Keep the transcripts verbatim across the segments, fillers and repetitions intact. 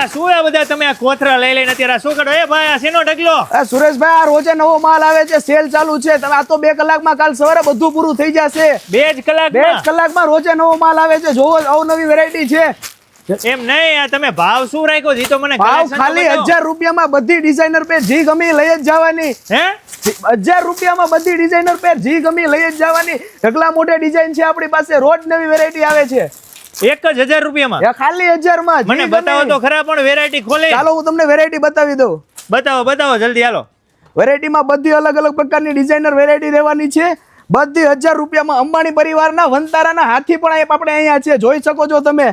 આ શું આ બધા તમે આ કોથરા લઈ લઈને અત્યારે શું કરો? એ ભાઈ આ શેનો ઢગલો? સુરેશભાઈ, આ રોજે નવો માલ આવે છે, સેલ ચાલુ છે. તમે આ તો બે કલાકમાં કાલ સવારે બધું પૂરું થઈ જશે. બે જ કલાક બે જ કલાકમાં રોજે નવો માલ આવે છે. જોવો, અવનવી વેરાયટી છે. એમ નહીં, આ તમે ભાવ શું રાખ્યો છે? તો મને ભાવ ખાલી હજાર રૂપિયામાં બધી ડિઝાઇનર પેર જી ગમી લઈ જ જવાની. હે, હજાર રૂપિયામાં બધી ડિઝાઇનર પેર જી ગમી લઈ જ જવાની. ઢગલા મોઢે ડિઝાઇન છે આપણી પાસે, રોજ નવી વેરાયટી આવે છે. એક જ હજાર રૂપિયામાં? ખાલી હજાર માં. મને બતાવો તો ખરા પણ વેરાયટી ખોલે. ચાલો હું તમને વેરાયટી બતાવી દઉં. બતાવો બતાવો જલ્દી, હાલો. વેરાયટીમાં બધી અલગ અલગ પ્રકારની ડિઝાઇનર વેરાયટી રહેવાની છે. બધી હજાર રૂપિયામાં અંબાણી પરિવારના વંતારાના હાથી પણ આપણે અહીંયા છે, જોઈ શકો છો તમે.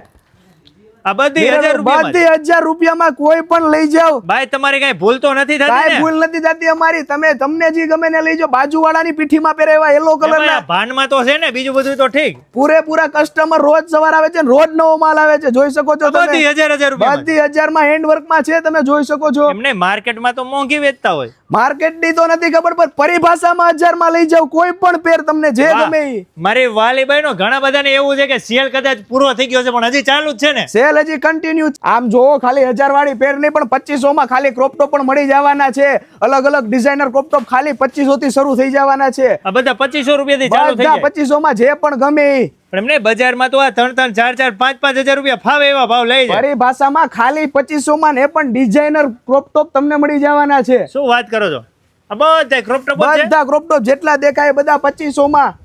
આ બધી હજાર રૂપિયા બધી હજાર રૂપિયામાં કોઈ પણ લઈ જાઓ. ભાઈ તમારી કઈ ભૂલ તો નથી થતી? કાઈ ભૂલ નથી થતી અમારી. તમે તમને જે ગમે ને લઈ જાઓ. બાજુવાળાની પીઠીમાં પહેરેવા યલો કલરના ભાનમાં તો છે ને, બીજું બધું તો ઠીક. પૂરેપૂરા કસ્ટમર રોજ સવાર આવે છે, રોજ નવો માલ આવે છે, જોઈ શકો છો તમે. બધી હજાર હજાર રૂપિયા, બધી હજાર માં હેન્ડ વર્કમાં છે, તમે જોઈ શકો છો. એમને માર્કેટમાં તો મોંઘી વેચતા હોય. માર્કેટની તો નથી ખબર, પણ પરિભાષામાં હજાર માં લઈ જાવ. કોઈ પણ પેર તમને જે ગમે ઈ. મારી વાલીબાઈ નો ઘણા બધાને એવું છે કે સેલ કદાચ પૂરો થઈ ગયો છે પણ હજી ચાલુ જ છે ને. સેલ હજી કન્ટિન્યુ. આમ જોવો, ખાલી હજાર વાળી પેર નહીં પણ પચીસો માં ખાલી ક્રોપ ટોપ પણ મળી જવાના છે. અલગ અલગ ડિઝાઇનર ક્રોપ ટોપ ખાલી પચીસો થી શરૂ થઈ જવાના છે. આ બધા પચીસો રૂપિયા થી ચાલુ થઈ જાય. પચીસો માં જે પણ ગમે ઈ. પણ એમને બજારમાં તો આ ત્રણ ત્રણ ચાર ચાર પાંચ પાંચ હજાર રૂપિયા ફાવે એવા ભાવ લઈ જાય. પરિભાષામાં ખાલી પચીસો માં ને પણ ડિઝાઇનર ક્રોપ ટોપ તમને મળી જવાના છે. શું વાત કરો છો? આ બધા ક્રોપ ટોપ છે, બધા ક્રોપ ટોપ જેટલા દેખાય બધા પચીસો માં.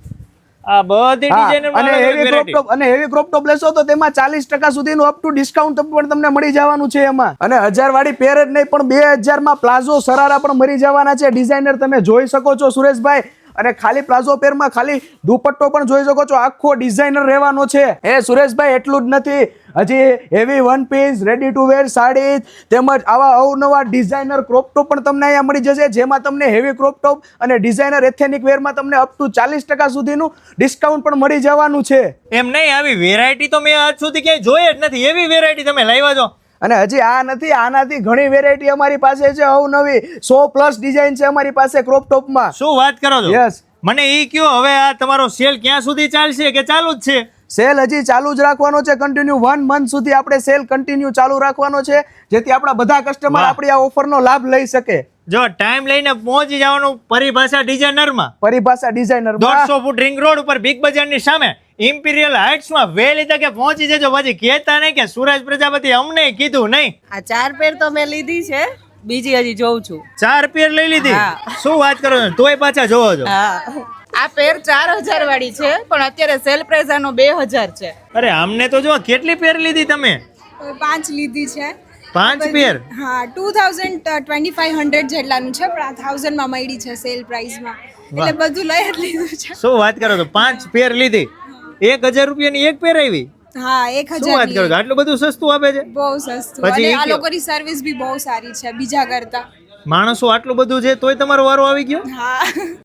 આ બધી ડિઝાઇનર અને હેવી ક્રોપ ટોપ અને હેવી ક્રોપ ટોપ લેશો તો તેમાં ચાલીસ ટકા સુધીનું અપ ટુ ડિસ્કાઉન્ટ પણ તમને મળી જવાનું છે એમાં. અને હજાર વાળી પેર જ નહીં પણ બે હજાર માં પ્લાઝો સરારા પણ મળી જવાના છે ડિઝાઇનર, તમે જોઈ શકો છો સુરેશભાઈ. અને ખાલી પ્લાઝો પેરમાં ખાલી દુપટ્ટો પણ જોઈ શકો છો, આખો ડિઝાઇનર રહેવાનો છે. એ સુરેશભાઈ, એટલું જ નથી, હજી heavy one piece, ready to wear sari તેમજ આવા અવનવા ડિઝાઇનર ક્રોપ ટોપ પણ તમને અહીંયા મળી જશે, જેમાં તમને હેવી ક્રોપ ટોપ અને ડિઝાઇનર એથેનિક વેરમાં તમને અપ ટુ ચાલીસ ટકા સુધીનું ડિસ્કાઉન્ટ પણ મળી જવાનું છે. એમ નહીં, આવી વેરાયટી તો મેં આજ સુધી ક્યાંય જોઈ જ નથી. એવી વેરાયટી તમે લાવ્યા છો. અને હજી આ નથી, આનાથી ઘણી વેરાયટી અમારી પાસે છે. અવનવી સો પ્લસ ડિઝાઇન છે અમારી પાસે ક્રોપ ટોપમાં. શું વાત કરો છો? યસ. મને ઈ કયો, હવે આ તમારો સેલ ક્યાં સુધી ચાલશે કે ચાલુ જ છે? સેલ હજી ચાલુ જ રાખવાનો છે, કન્ટિન્યુ વન મંથ સુધી આપણે સેલ કન્ટિન્યુ ચાલુ રાખવાનો છે, જેથી આપણા બધા કસ્ટમર આપણી આ ઓફરનો લાભ લઈ શકે. જો ટાઈમ લઈને પહોંચી જવાનું પરિભાષા ડિઝાઇનરમાં. પરિભાષા ડિઝાઇનર દોઢસો ફૂટ રિંગ રોડ ઉપર બિગ બજારની સામે ઇમ્પિરિયલ હાઇટ્સ માં વહેલી તકે પહોંચી જજો. પછી કહેતા નહીં કે સુરજ પ્રજાપતિ અમને કીધું નહીં. આ ચાર પેર તો મેં લીધી છે, બીજી હજી જોઉં છું. ચાર પેર લઈ લીધી? શું વાત કરો છો? તોય પાછા જોવો છો? હા, આ પેર ચાર હજાર વાળી છે પણ અત્યારે સેલ પ્રાઇસ આનો બે હજાર છે. અરે અમને તો જો કેટલી પેર લીધી તમે? પાંચ લીધી છે. પાંચ પેર? હા, two thousand twenty five hundred જેટલાનું છે પણ આ થાઉઝન્ડ માં મળી છે સેલ પ્રાઇસમાં, એટલે બધું લઈ જ લીધું છે. શું વાત કરો છો? પાંચ પેર લીધી, એક હજાર રૂપિયાની એક પેર આવી? હા, એક શું વાત કરો છો? આટલું બધું સસ્તું આપે છે? બહુ સસ્તું. અને આ લોકોની સર્વિસ બી બહુ સારી છે બીજા કરતા. માણસો આટલું બધું છે તોય તમારો વારો આવી ગયો? હા.